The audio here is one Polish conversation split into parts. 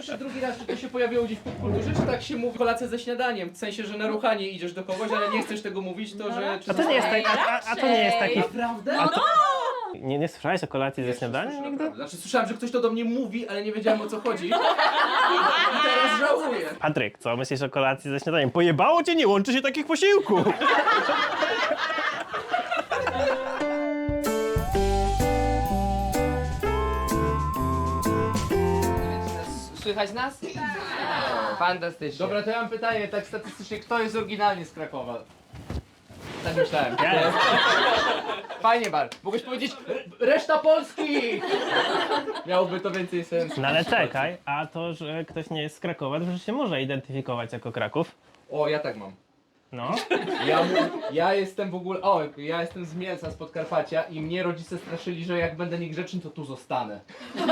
jeszcze drugi raz, czy to się pojawiło gdzieś w popkulturze, czy tak się mówi kolację ze śniadaniem? W sensie, że na ruchanie idziesz do kogoś, ale nie chcesz tego mówić, to że... A to nie jest taki... A to nie jest taki... Naprawdę? Nie słyszałeś o kolacji ze śniadaniem nigdy? Znaczy słyszałem, że ktoś to do mnie mówi, ale nie wiedziałem o co chodzi. I teraz żałuję. Patryk, co myślisz o kolacji ze śniadaniem? Pojebało cię, nie łączy się takich posiłków! Słychać nas? Fantastycznie. Dobra, to ja mam pytanie, tak statystycznie, kto jest oryginalnie z Krakowa? Tak myślałem. Ja jestem. Fajnie, Bar. Mogłeś powiedzieć reszta Polski! Miałoby to więcej sensu. No ale czekaj, a to, że ktoś nie jest z Krakowa, to że się może identyfikować jako Kraków. O, ja tak mam. No. Ja jestem w ogóle, ja jestem z Mielca, z Podkarpacia i mnie rodzice straszyli, że jak będę niegrzeczny, to tu zostanę.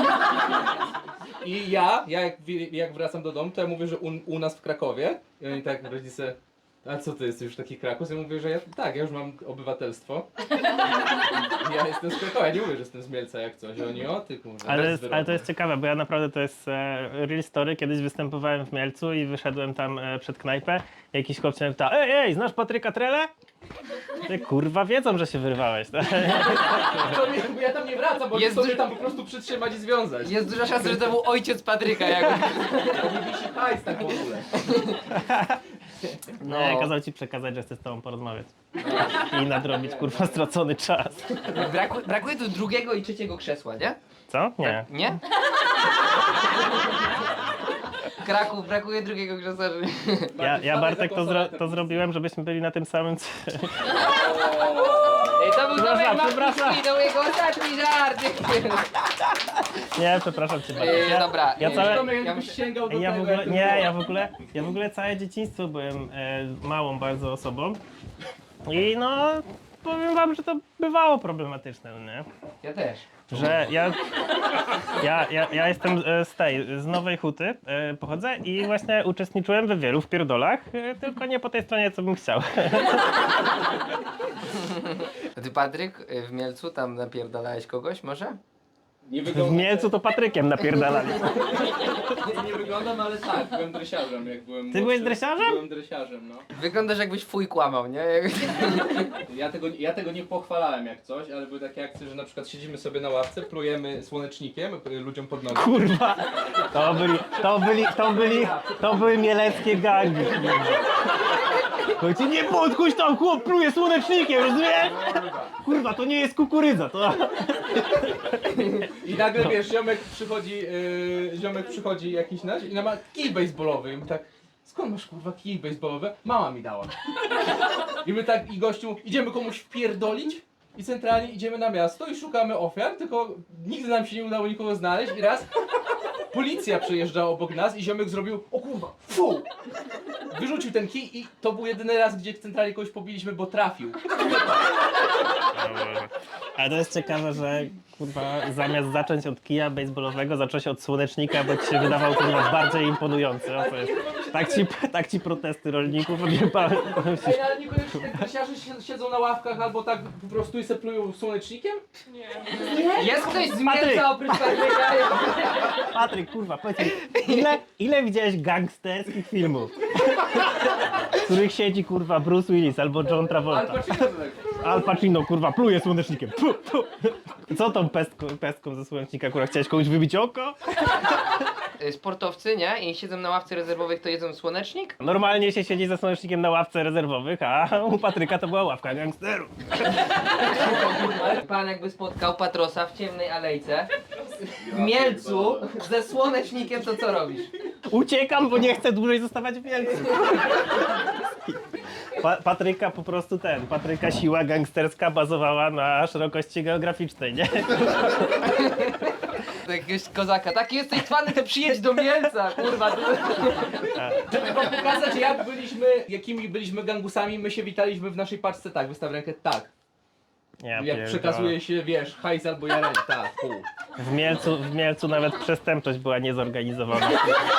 I jak wracam do domu, to ja mówię, że u nas w Krakowie i oni tak, rodzice, a co ty jesteś już taki Kraków? Ja mówię, że ja już mam obywatelstwo. Ja jestem z Krakowa, ja nie mówię, że jestem z Mielca jak coś, oni o ty kurwa. Ale to jest ciekawe, bo ja naprawdę to jest real story. Kiedyś występowałem w Mielcu i wyszedłem tam przed knajpę. Jakiś chłopcy mnie pyta, ej, znasz Patryka Trele? Ty kurwa wiedzą, że się wyrwałeś. Tak? Bo ja tam nie wracam, bo Jest chcą mnie duży- tam po prostu przytrzymać i związać. Jest duża szansa, że to był ojciec Patryka jakby. Nie wisi hajs tak w ogóle. No. Kazał ci przekazać, że chcę z tobą porozmawiać. I nadrobić kurwa stracony czas. Brakuje tu drugiego i trzeciego krzesła, nie? Co? Nie. Nie? Kraków, brakuje drugiego krzesła. Ja Bartek to zrobiłem, żebyśmy byli na tym samym Ej, to był Przepraszam. to był jego ostatni żart. Nie, przepraszam cię Bartek. Dobra. Ja całe... Tomek jakbyś sięgał do Ja w tego, ogóle, jak nie, to było. ja w ogóle całe dzieciństwo byłem małą bardzo osobą i no powiem wam, że to bywało problematyczne, nie? Ja też. Że ja jestem z Nowej Huty, pochodzę i właśnie uczestniczyłem w wielu wpierdolach, tylko nie po tej stronie, co bym chciał. A ty Patryk w Mielcu tam napierdalałeś kogoś może? Nie W wygląda, Mielcu to Patrykiem napierdalali. nie wyglądam, ale tak, byłem dresiarzem, jak byłem Ty byłeś młodszy. dresiarzem? Byłem dresiarzem, no. Wyglądasz jakbyś fuj kłamał, nie? Ja tego nie pochwalałem jak coś, ale były takie akcje, że na przykład siedzimy sobie na ławce, plujemy słonecznikiem ludziom pod nogi. Kurwa, to były mieleckie gangi. Chodźcie, nie podkuś tam, chłop pluje słonecznikiem, rozumiesz? Kurwa, to nie jest kukurydza, to... I nagle wiesz, ziomek przychodzi jakiś nasz i ma kij baseballowy i my tak, skąd masz kurwa kij baseballowy? Mama mi dała. I my tak, i gościu, idziemy komuś wpierdolić i centralnie idziemy na miasto i szukamy ofiar, tylko nigdy nam się nie udało nikogo znaleźć i raz policja przejeżdżała obok nas i ziomek zrobił, o kurwa, fu! Wyrzucił ten kij i to był jedyny raz, gdzie centralnie kogoś pobiliśmy, bo trafił. Ale to jest ciekawe, że kurwa, zamiast zacząć od kija baseballowego, zacząłeś od słonecznika, bo ci się wydawał kurwa bardziej imponujący. O, co jest? Tak ci protesty rolników odjebały. Ej, ale niekoniecznie jak dresiarze siedzą na ławkach albo tak po prostu i se plują słonecznikiem? Jest ktoś z Patryk. Mielca oprócz Patryka? Patryk, kurwa, powiedz mi, ile widziałeś gangsterskich filmów? W których siedzi kurwa Bruce Willis albo John Travolta. Ale patrzcie na tego. Al Pacino, kurwa, pluje słonecznikiem. Pu, pu. Co tą pestką ze słonecznika, kurwa, chciałeś komuś wybić oko? Sportowcy, nie? I siedzą na ławce rezerwowych, to jedzą słonecznik? Normalnie się siedzi ze słonecznikiem na ławce rezerwowych, a u Patryka to była ławka gangsterów. Ale pan jakby spotkał Patrosa w ciemnej alejce w Mielcu ze słonecznikiem, to co robisz? Uciekam, bo nie chcę dłużej zostawać w Mielcu. Patryka po prostu Patryka siła gangsterska bazowała na szerokości geograficznej, nie? Do jakiegoś kozaka, taki jesteś twany, to przyjedź do Mielca, kurwa. Żeby wam pokazać jakimi byliśmy gangusami, my się witaliśmy w naszej paczce tak, wystaw rękę tak. Ja Jak pierdolę. przekazuje się, wiesz, hajs albo jareń, tak, pół. W Mielcu nawet przestępczość była niezorganizowana.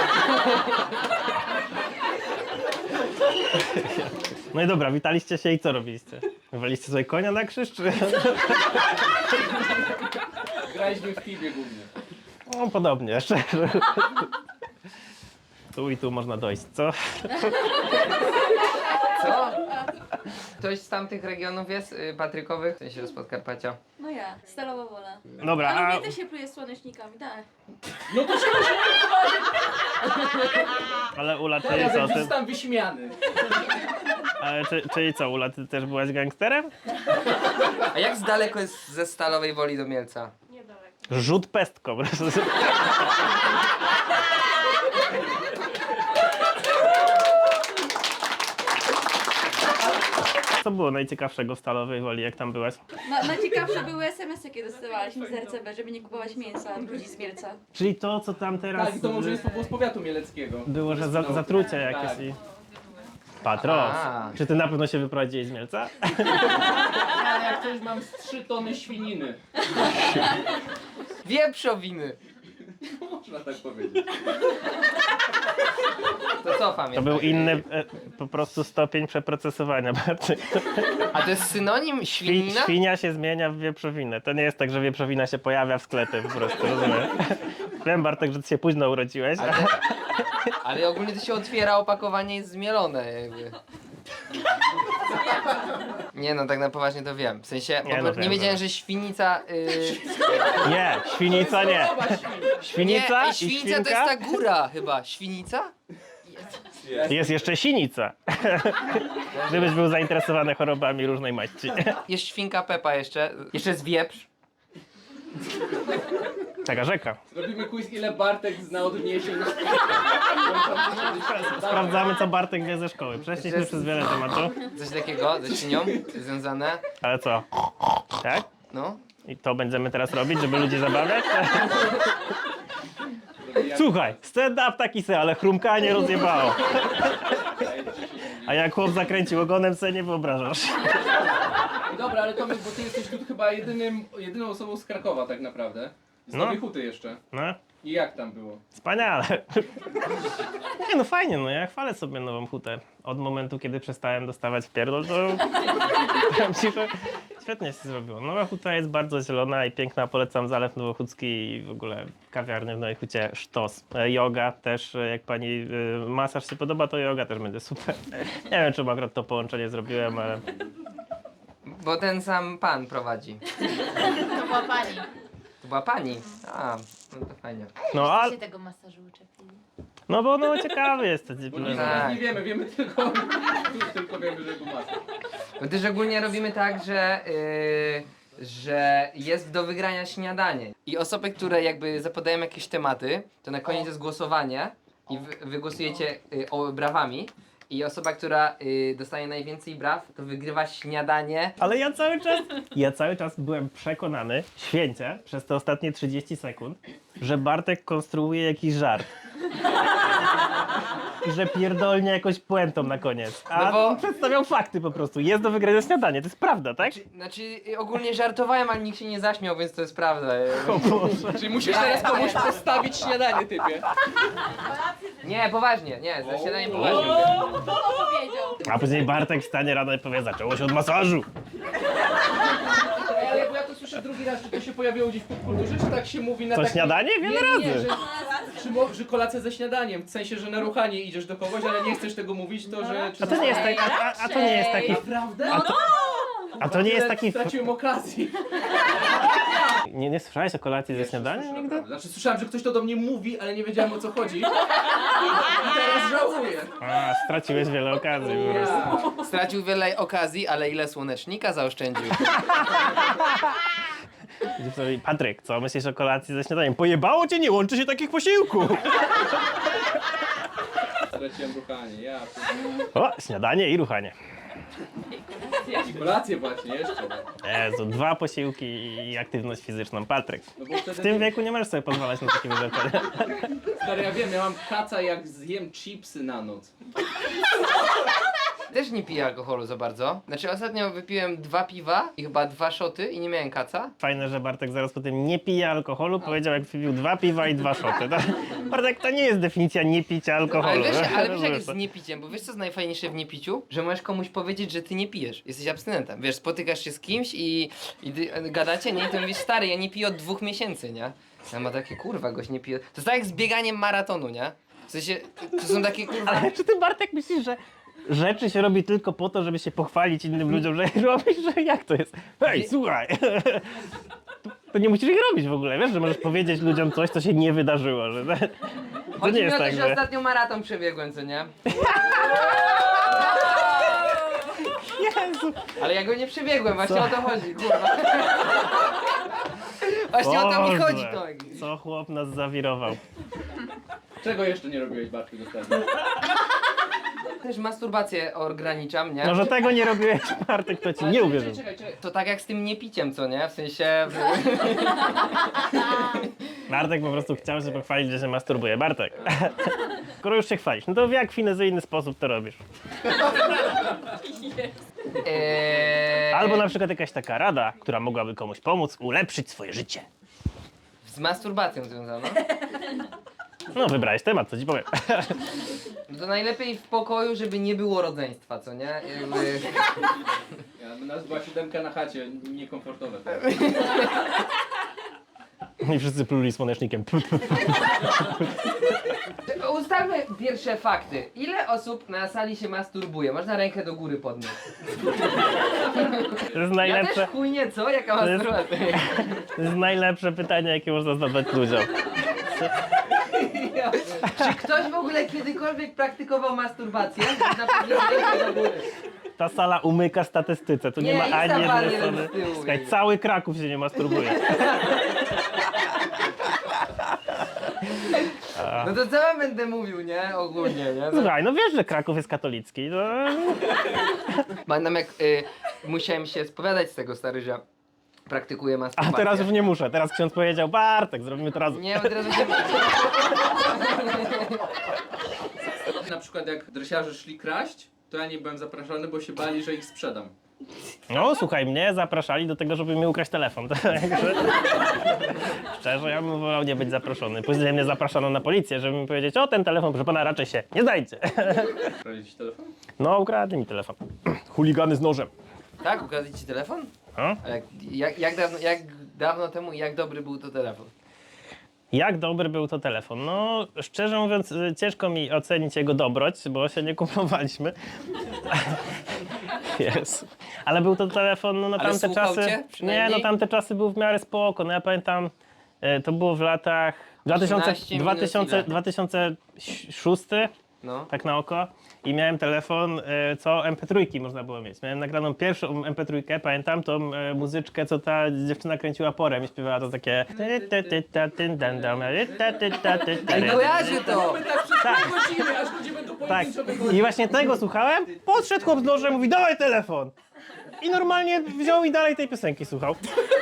No i dobra, witaliście się i co robiliście? Wywaliście sobie konia na krzyż, czy... Graliśmy w Tibie głównie. No podobnie, szczerze. tu i tu można dojść, co? Co? Ktoś z tamtych regionów jest patrykowych? W sensie z Podkarpacia. No ja, Stalowa Wola. Dobra, Ale a mnie też się pluje słonecznikami, tak. No to się ale Ula, ja czyli co? Ty, zostałem wyśmiany. ale, czyli co, Ula, ty też byłaś gangsterem? A jak z daleko jest ze Stalowej Woli do Mielca? Rzut pestką. Po prostu. Co było najciekawszego w Stalowej Woli, jak tam byłaś? Najciekawsze były SMS, jakie dostawaliśmy z RCB, żeby nie kupować mięsa od ludzi z Mielca. Czyli to, co tam teraz Tak, i to może jest z powiatu mieleckiego. było, że zatrucie jakieś Tak. i... Patros, A. czy ty na pewno się wyprowadziłeś z Mielca? Ja jak coś mam z 3 tony świniny. Wieprzowiny! Można tak powiedzieć. To co To pamiętam? był inny po prostu stopień przeprocesowania. Bartek. A to jest synonim świnina? Świnia się zmienia w wieprzowinę. To nie jest tak, że wieprzowina się pojawia w sklepie po prostu, rozumiem? Wiem, Bartek, że ty się późno urodziłeś. Ale ogólnie to się otwiera opakowanie jest zmielone jakby. Nie no, tak na poważnie to wiem. W sensie, Nie, nie, no nie wiem, wiedziałem, wiem. że świnica... Nie, świnica nie. Świnica nie, i świnica to świnka? jest ta góra chyba. Świnica? Jest jeszcze sinica. Gdybyś był zainteresowany chorobami różnej maści. Jest świnka Pepa jeszcze. Jeszcze jest wieprz. Taka rzeka. Robimy quiz, ile Bartek zna odniesień. Sprawdzamy, co Bartek wie ze szkoły. Przeszliśmy przez wiele tematów. Coś takiego ze świnią związane. Ale co? Tak? No. I to będziemy teraz robić, żeby ludzi zabawiać? Słuchaj, stand-up taki se, ale chrumkanie rozjebało. A jak chłop zakręcił ogonem, sobie nie wyobrażasz. Dobra, ale Tomek, bo ty jesteś tu chyba jedyną osobą z Krakowa tak naprawdę. Z No. Nowej Huty jeszcze. No, I jak tam było? wspaniale. Nie no fajnie, no ja chwalę sobie Nową Hutę. Od momentu, kiedy przestałem dostawać w pierdol, to powiem ci, że świetnie się zrobiło. Nowa Huta jest bardzo zielona i piękna, polecam Zalew Nowochódzki i w ogóle kawiarnię w Nowej Hucie sztos. Yoga też, jak pani masaż się podoba, to yoga też będzie super. Nie wiem, czemu akurat to połączenie zrobiłem, ale Bo ten sam pan prowadzi. To była pani. To była pani. A, no to fajnie. no, A ale, się tego masażu uczepili. no bo no ciekawy jest. Bo nic Tak. nie wiemy, wiemy tylko, tylko wiemy, że był maska. My też ogólnie robimy tak, że jest do wygrania śniadanie. I osoby, które jakby zapadają jakieś tematy, to na koniec jest głosowanie i wy głosujecie brawami. I osoba, która dostaje najwięcej braw, to wygrywa śniadanie. Ale ja cały czas byłem przekonany, święcie, przez te ostatnie 30 sekund, że Bartek konstruuje jakiś żart. I że pierdolnie jakąś puentą na koniec. A No bo- on przedstawiał fakty po prostu. Jest do wygrania śniadanie, to jest prawda, tak? Znaczy ogólnie żartowałem, ale nikt się nie zaśmiał, więc to jest prawda. O Boże. Czyli musisz teraz komuś postawić śniadanie, typie. Nie, poważnie, nie, za śniadanie poważnie. Powiedział. A później Bartek wstanie rano i powie, zaczęło się od masażu. Ale bo ja to słyszę drugi raz, czy to się pojawiło gdzieś w popkulturze, czy tak się mówi na Co, taki... śniadanie? Wiele Nie, razy. że kolacja ze śniadaniem, w sensie, że na ruchanie idziesz do kogoś, ale nie chcesz tego mówić, to że... A to nie jest taki... A to nie jest taki... Naprawdę? A to nie jest taki... Straciłem okazję. Nie słyszałeś o kolacji ze śniadaniem nigdy? Znaczy słyszałem, że ktoś to do mnie mówi, ale nie wiedziałem o co chodzi. I teraz żałuję. A, straciłeś wiele okazji po prostu. Ja. Stracił wiele okazji, ale ile słonecznika zaoszczędził. Patryk, co myślisz o kolacji ze śniadaniem? Pojebało cię, nie łączy się takich posiłków! Straciłem ruchanie, ja. O, śniadanie i ruchanie. I kolację właśnie, jeszcze. Jezu, 2 posiłki i aktywność fizyczną. Patryk, No bo w wtedy, tym wieku nie możesz sobie pozwalać na takie rzeczy. stary, ja wiem, ja mam kaca jak zjem chipsy na noc. Też nie piję alkoholu za bardzo. Znaczy ostatnio wypiłem 2 piwa i chyba 2 szoty i nie miałem kaca. Fajne, że Bartek zaraz po tym nie pije alkoholu, powiedział jak wypił 2 piwa i 2 szoty. Bartek, to nie jest definicja nie picia alkoholu. Ale wiesz jak Rozumiesz jest to? z niepiciem, bo wiesz co jest najfajniejsze w niepiciu? Że możesz komuś powiedzieć, że ty nie pijesz, jesteś abstynentem. Wiesz, spotykasz się z kimś i gadacie, nie? I to mówisz, stary, ja nie piję od 2 miesięcy, nie? Ja ma takie, kurwa, gość nie pije. To jest tak jak z bieganiem maratonu, nie? W sensie, to są takie kurwa... Ale czy ty, Bartek, myślisz, że rzeczy się robi tylko po to, żeby się pochwalić innym ludziom, że je robisz, że jak to jest? Hej, słuchaj! To nie musisz ich robić w ogóle, wiesz, że możesz powiedzieć ludziom coś, co się nie wydarzyło, że to Chodzi nie mi jest o to, tak, że że... ostatnio maraton przebiegłem, co nie? Jezu! Ale ja go nie przebiegłem, właśnie o to chodzi, kurwa. Właśnie o to mi Boże, chodzi, to. Co chłop nas zawirował. Czego jeszcze nie robiłeś, Bartku, dostępnie? Też masturbację ograniczam, nie? Może tego nie robiłeś, Bartek, to ci nie uwierzył. Czekaj. To tak jak z tym niepiciem, co nie? W sensie... Bartek po prostu chciał się pochwalić, że się masturbuje. Bartek, skoro już się chwalisz, no to w jak finezyjny sposób to robisz? Albo na przykład jakaś taka rada, która mogłaby komuś pomóc ulepszyć swoje życie. Z masturbacją związana. No, wybrałeś temat, co ci powiem. No to najlepiej w pokoju, żeby nie było rodzeństwa, co nie? Jakby... Ja, nas była 7 na chacie, niekomfortowe. I wszyscy pluli słonecznikiem. Ustalmy pierwsze fakty. Ile osób na sali się masturbuje? Można rękę do góry podnieść. To jest Ja najlepsze, też chuj nie, co? Jaka jest- masturbacja? to jest najlepsze pytanie, jakie można zadać ludziom. Czy ktoś w ogóle kiedykolwiek praktykował masturbację? Można podnieść rękę do góry. Ta sala umyka statystyce, tu nie, Nie, ma ani Insta bar jednej jeden osoby. z tyłu, Słuchaj, nie. cały Kraków się nie masturbuje. No to co wam będę mówił, nie? Ogólnie, nie? No. Słuchaj, no wiesz, że Kraków jest katolicki, no... Pamiętam jak musiałem się spowiadać z tego, stary, że praktykuję A masturbację. teraz już nie muszę, teraz ksiądz powiedział, Bartek, zrobimy to razem. Nie, bo teraz się... Na przykład jak dresiarze szli kraść, to ja nie byłem zapraszany, bo się bali, że ich sprzedam. No słuchaj, mnie zapraszali do tego, żeby mi ukraść telefon, także... Szczerze, ja bym wolał nie być zaproszony. Później mnie zapraszano na policję, żeby mi powiedzieć, o ten telefon, proszę pana, raczej się nie znajdzie. Kradli ci telefon? No, ukradli mi telefon. Chuligany z nożem. Tak? Ukradli ci telefon? No? A jak dawno temu i jak dobry był to telefon? Jak dobry był to telefon? No, szczerze mówiąc, ciężko mi ocenić jego dobroć, bo się nie kumplowaliśmy. Jezu. Ale był to telefon, no na Ale tamte słuchał czasy... cię Nie, przynajmniej? no tamte czasy był w miarę spoko. No ja pamiętam, to było w latach 13 minus ile? 2006, No. tak na oko. I miałem telefon, co MP3 można było mieć. Miałem nagraną pierwszą MP3, pamiętam tą muzyczkę, co ta dziewczyna kręciła porem i śpiewała to takie... Ej, kojarzy to! Tak. Godziny, aż ludzie będą Tak. pojedynczo wychodzić. I właśnie tego słuchałem. Podszedł chłop z nożem, mówi, dawaj telefon. I normalnie wziął i dalej tej piosenki słuchał.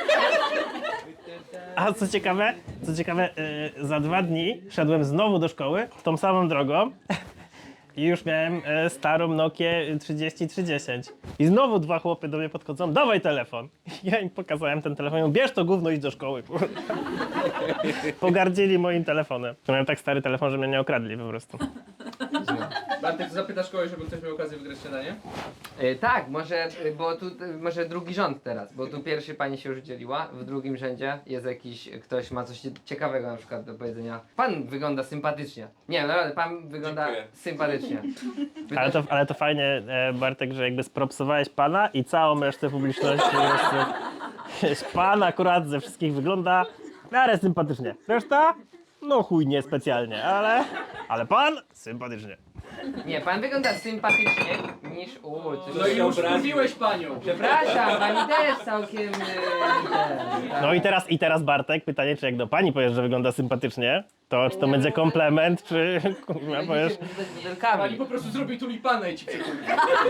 A co ciekawe, za 2 dni szedłem znowu do szkoły, tą samą drogą. I już miałem starą Nokię 3310. I znowu 2 chłopy do mnie podchodzą, dawaj telefon. I ja im pokazałem ten telefon, mówię, bierz to gówno, idź do szkoły. Pogardzili moim telefonem. Miałem tak stary telefon, że mnie nie okradli po prostu. Bartek, zapytasz kogoś, żeby ktoś miał okazję wygrać śniadanie? Tak, może, bo tu, może drugi rząd teraz, bo tu pierwszy pani się już dzieliła, w drugim rzędzie jest jakiś, ktoś ma coś ciekawego na przykład do powiedzenia. Pan wygląda sympatycznie. Nie, naprawdę, pan wygląda Dziękuję. sympatycznie. Wy Ale też- to, ale to fajnie, Bartek, że jakby spropsowałeś pana i całą resztę publiczności. Pan akurat ze wszystkich wygląda w miarę sympatycznie. Reszta? No chuj, nie specjalnie, ale pan sympatycznie. Nie, pan wygląda sympatycznie niż... No i już mówiłeś panią. Przepraszam, pani też całkiem... No i teraz Bartek, pytanie, czy jak do pani powiesz, że wygląda sympatycznie, to czy to będzie komplement, czy kurwa powiesz... Pani po prostu zrobi tulipana i ci przekuje.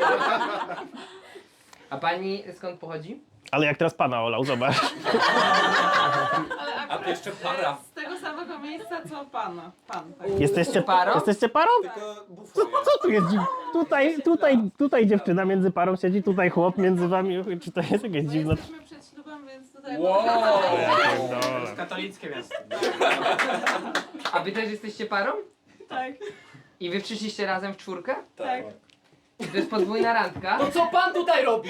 A pani skąd pochodzi? Ale jak teraz pana olał, zobacz. A to jeszcze para. Z tego samego miejsca co pana. Pan, tak. Jesteście Parą? Jesteście parą? Co tu jest dziwne? Tutaj dziewczyna między parą siedzi, tutaj chłop między wami. Czy to jest jakieś My dziwne? jesteśmy przed ślubem, więc tutaj... Wow. Dobra. Katolickie miasto. A wy też jesteście parą? Tak, I wy przyszliście razem w czwórkę? tak. To jest podwójna randka. To co pan tutaj robi?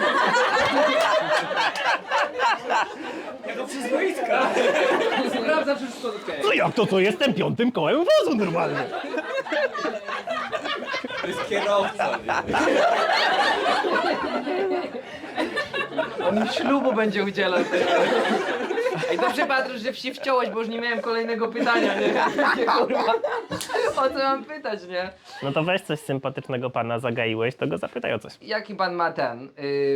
Jako przyzwoitka. Sprawdza, czy wszystko okej. No jak to co? Jestem piątym kołem wozu normalnie. To jest kierowca, nie? On mi ślubu będzie udzielał. Ej, dobrze Patryk, że się wciąłeś, bo już nie miałem kolejnego pytania, nie? Nie, kurwa. O co mam pytać, nie? No to weź coś sympatycznego pana zagaiłeś, to go zapytaj o coś. Jaki pan ma ten?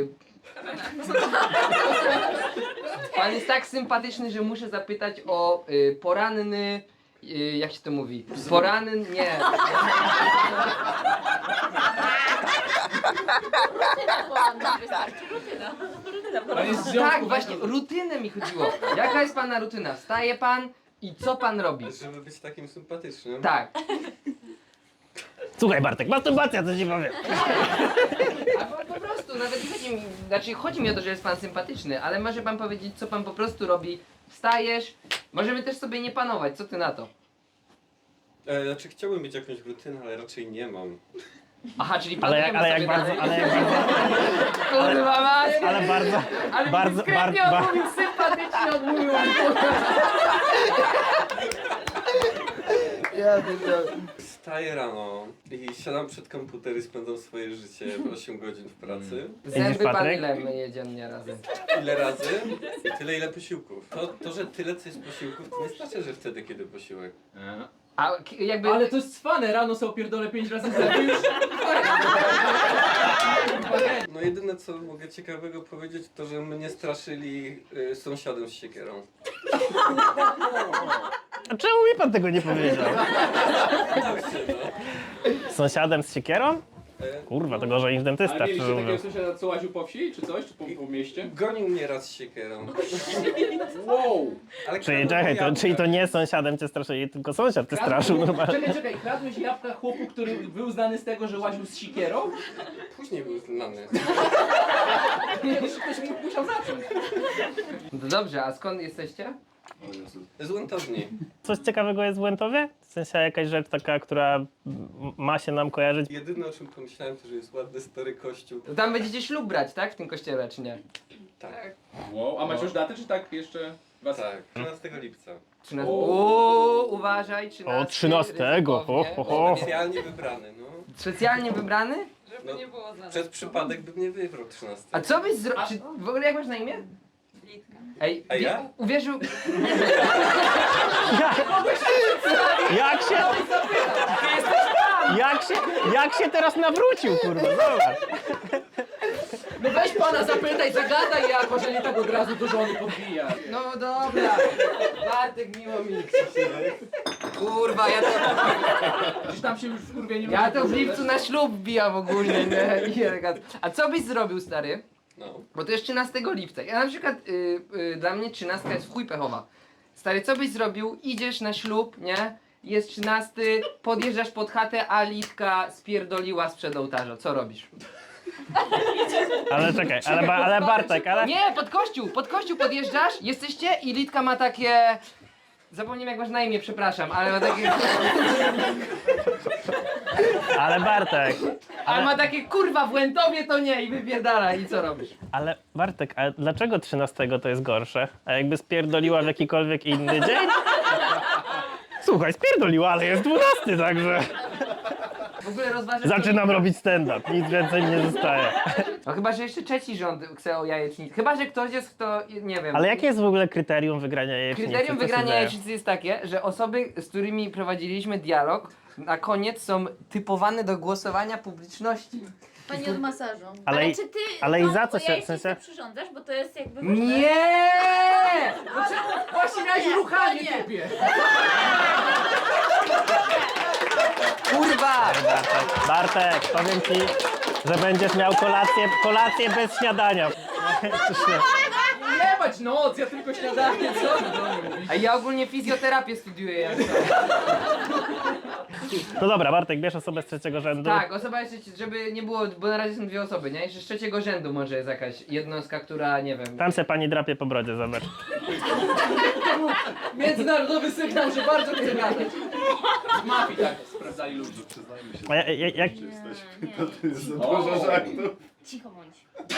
Pan jest tak sympatyczny, że muszę zapytać o poranny... jak się to mówi? Poranny... nie. Pan jest w związku Tak, właśnie, rutynę mi chodziło. Jaka jest pana rutyna? Wstaje pan i co pan robi? Żeby być takim sympatycznym. Tak. Słuchaj Bartek, masturbacja, co ci powiem. Albo po prostu, nawet chodzi mi, znaczy chodzi mi o to, że jest pan sympatyczny, ale może pan powiedzieć, co pan po prostu robi. Wstajesz, możemy też sobie nie panować, co ty na to? Znaczy chciałbym mieć jakąś rutynę, ale raczej nie mam. Aha, czyli Ale jak, planujemy ale jak sobie bardzo, dalej. ale jak bardzo, Kurwa mać! ale bardzo, Ale bardzo, dyskretnie bardzo, odmówił, sympatycznie odmówił. Wstaję rano i siadam przed komputer i spędzam swoje życie 8 godzin w pracy. Zęby pan Patryk? ile myje dziennie razem? Ile razy? I tyle ile posiłków. To, że tyle co jest posiłków, to nie znaczy, że wtedy kiedy posiłek. A jakby... Ale to jest cwane, rano sobie opierdolę 5 razy w lewo już. No jedyne co mogę ciekawego powiedzieć, to że mnie straszyli sąsiadem z siekierą. A czemu mi pan tego nie powiedział? Właśnie, no. Z sąsiadem z siekierą? Kurwa, to gorzej niż dentysta, Ale szczerze mieliście takiego mówiąc. sąsiada, co łaził po wsi, czy coś? Czy po mieście? Gonił mnie raz z siekierą. Wow! Ale Czyli kradł czekaj, jabłka. czyli to nie sąsiadem cię straszyli, tylko sąsiad cię straszył normalnie. Czekaj, kradłeś jabłka chłopu, który był znany z tego, że łaził z sikierą? Później był znany. Ktoś musiał zacząć. No dobrze, a skąd jesteście? Z Łętowni. Coś ciekawego jest w Łętowie? W sensie jakaś rzecz taka, która ma się nam kojarzyć? Jedyne o czym pomyślałem to, że jest ładny stary kościół. To tam będziecie ślub brać, tak? W tym kościele, czy nie? Tak. Wow, a macie już datę, czy tak jeszcze was... Tak, 13 lipca. 13. Uważaj, 13. O, 13, ho, ho, ho. Specjalnie wybrany, no. Specjalnie wybrany? Żeby No, nie było za Przez przypadek bym nie wybrał 13. A co byś zrobił? W ogóle jak masz na imię? Litka. Ej, A ja? uwierzył... Jak się teraz nawrócił, kurwa, zobacz. No weź pana zapytaj, zagadaj jako, że nie tak od razu do żony podbija. No dobra. Bartek, miło mi. Kurwa, ja to... Gdzieś tam się już w kurwie nie Ja to w lipcu na ślub bijam ogólnie, nie? I elegancko. A co byś zrobił, stary? No. Bo to jest 13 lipca. Ja na przykład, dla mnie 13 jest w chuj pechowa. Stary, co byś zrobił? Idziesz na ślub, nie? Jest 13, podjeżdżasz pod chatę, a Litka spierdoliła sprzed ołtarza. Co robisz? Ale czekaj, ale Bartek, ale... Nie, pod kościół podjeżdżasz, jesteście i Litka ma takie... Zapomniałem jak masz na imię, przepraszam, ale ma takie... Ale Bartek, Ale ma takie kurwa w Łętowie to nie i wypierdala i co robisz? ale Bartek, a dlaczego 13 to jest gorsze? A jakby spierdoliła w jakikolwiek inny dzień? Słuchaj, spierdoliła, ale jest 12, także W ogóle rozważasz... zaczynam robić stand-up, nic więcej mi nie zostaje. No chyba, że jeszcze trzeci rząd chce o jajecznicy. Chyba, że ktoś jest kto, nie wiem. Ale jakie jest w ogóle kryterium wygrania jajecznicy? Kryterium Co się wygrania dzieje? jajecznicy jest takie, że osoby, z którymi prowadziliśmy dialog, na koniec są typowane do głosowania publiczności. Pani od masażu. Ale i- czy ty ale i za co się- w jajecznicę sensie- przyrządzasz, bo to jest jakby ważne. Nie! Właśnie miałeś ruchanie nie. typie. Kurwa! Bartek, powiem ci, że będziesz miał kolację bez śniadania. Jebać noc, ja tylko śniadanie, co ty do mnie mówisz? A ja ogólnie fizjoterapię studiuję jak to. No dobra, Bartek, bierz osobę z trzeciego rzędu. Tak, osoba jeszcze, żeby nie było, bo na razie są dwie osoby, nie? Jeszcze z trzeciego rzędu może jest jakaś jednostka, która, nie wiem... Tam se pani drapie po brodzie, zobacz. Międzynarodowy sygnał, że bardzo chcę gadać. Z mafii tak sprawdzałem. obrażali ludzi. A jak... Cicho bądź.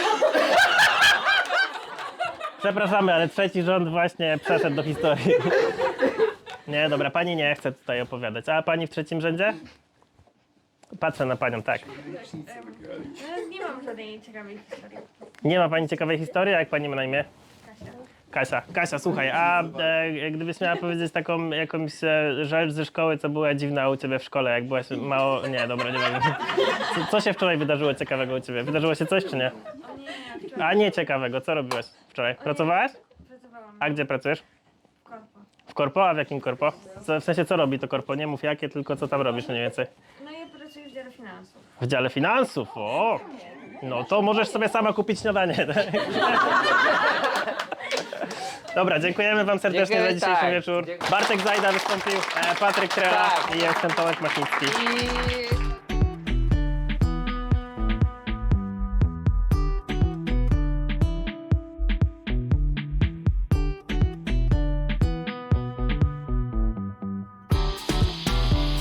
Przepraszamy, ale trzeci rząd właśnie przeszedł do historii. Nie, dobra, pani nie chce tutaj opowiadać. A pani w trzecim rzędzie? Patrzę na panią, tak. No, nie mam żadnej ciekawej historii. Nie ma pani ciekawej historii, a jak pani ma na imię? Kasia. Kasia, słuchaj, a gdybyś miała powiedzieć taką jakąś rzecz ze szkoły, co była dziwna u ciebie w szkole, jak byłaś mało... Nie, dobra, nie wiem. Co się wczoraj wydarzyło ciekawego u ciebie? Wydarzyło się coś, czy nie? O nie, wczoraj A nie ciekawego, co robiłaś wczoraj? Pracowałaś? pracowałam A gdzie pracujesz? w korpo. W korpo? A w jakim korpo? W sensie, co robi to korpo? Nie mów jakie, tylko co tam robisz mniej więcej. No ja pracuję w dziale finansów. W dziale finansów, o! No to możesz sobie sama kupić śniadanie. Tak? Dobra, dziękujemy wam serdecznie za Dziękujemy, dzisiejszy tak. wieczór. Dziękuję. Bartek Zajda wystąpił, Patryk Trela Tak. i jestem Tomek Machnicki. I